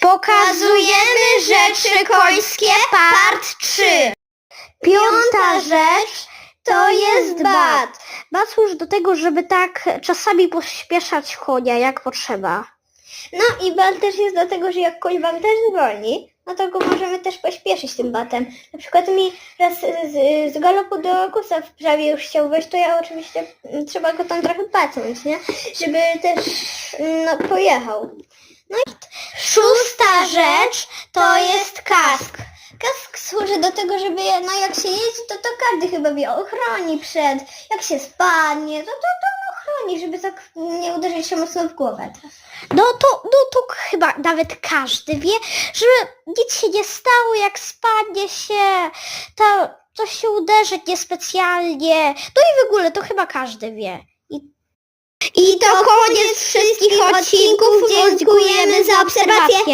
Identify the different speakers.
Speaker 1: Pokazujemy rzeczy końskie, part 3. Piąta rzecz to jest bat. Bat służy do tego, żeby tak czasami pośpieszać konia, jak potrzeba.
Speaker 2: No i bat też jest do tego, że jak koń wam też zwolni, no to go możemy też pośpieszyć tym batem. Na przykład mi raz z galopu do kusa prawie już chciał wejść, to ja oczywiście trzeba go tam trochę pacnąć, nie? Żeby też pojechał. No i
Speaker 1: Szósta rzecz to jest kask.
Speaker 2: kask służy do tego, żeby jak się jeździ, to każdy chyba wie, ochroni przed, jak się spadnie, to ochroni, żeby tak nie uderzyć się mocno w głowę.
Speaker 1: No to chyba nawet każdy wie, żeby nic się nie stało, jak spadnie się, to się uderzy niespecjalnie. No i w ogóle to chyba każdy wie. I to koniec wszystkich odcinków. Dziękujemy za obserwację.